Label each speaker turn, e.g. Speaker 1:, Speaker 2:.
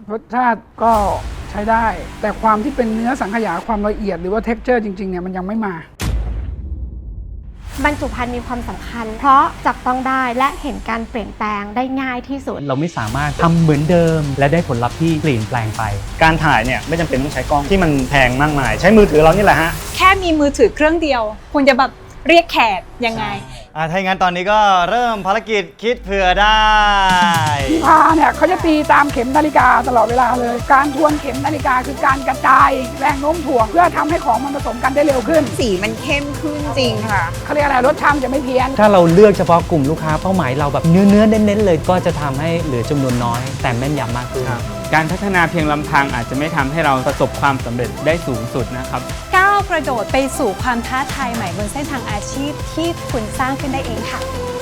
Speaker 1: รสชาติก็ใช้ได้ แต่ความที่เป็นเนื้อสังขยาความละเอียดหรือว่าเท็กเจอร์จริงๆเนี่ยมันยังไม่มา
Speaker 2: บรรจุภัณฑ์มีความสำคัญเพราะจับต้องได้และเห็นการเปลี่ยนแปลงได้ง่ายที่สุด
Speaker 3: เราไม่สามารถทำเหมือนเดิมและได้ผลลัพธ์ที่เปลี่ยนแปลงไป
Speaker 4: การถ่ายเนี่ยไม่จำเป็นต้องใช้กล้องที่มันแพงมากมายใช้มือถือเรานี่แหละฮะ
Speaker 5: แค่มีมือถือเครื่องเดียวคุณจะแบบเรียกแขกยังไง
Speaker 4: ถ้าอย่างนั้นตอนนี้ก็เริ่มภารกิจคิดเผื่อได้
Speaker 1: พี่พาเนี่ยเขาจะตีตามเข็มนาฬิกาตลอดเวลาเลยการทวนเข็มนาฬิกาคือการกระจายแรงโน้มถ่วงเพื่อทำให้ของมันผสมกันได้เร็วขึ้น
Speaker 6: สีมันเข้มขึ้นจริงค่ะ
Speaker 1: เขาเรียกอะไรรสชาติจะไม่เพี้ยน
Speaker 3: ถ้าเราเลือกเฉพาะกลุ่มลูกค้าเป้าหมายเราแบบเนื้อเน้นๆเลยก็จะทำให้เหลือจำนวนน้อยแต่แม่นยำมากขึ้น
Speaker 7: การพัฒนาเพียงลำพังอาจจะไม่ทำให้เราประสบความสำเร็จได้สูงสุดนะครับ
Speaker 5: ก้าวกระโดดไปสู่ความท้าทายใหม่บนเส้นทางอาชีพที่คุณสร้างขึ้นได้เองค่ะ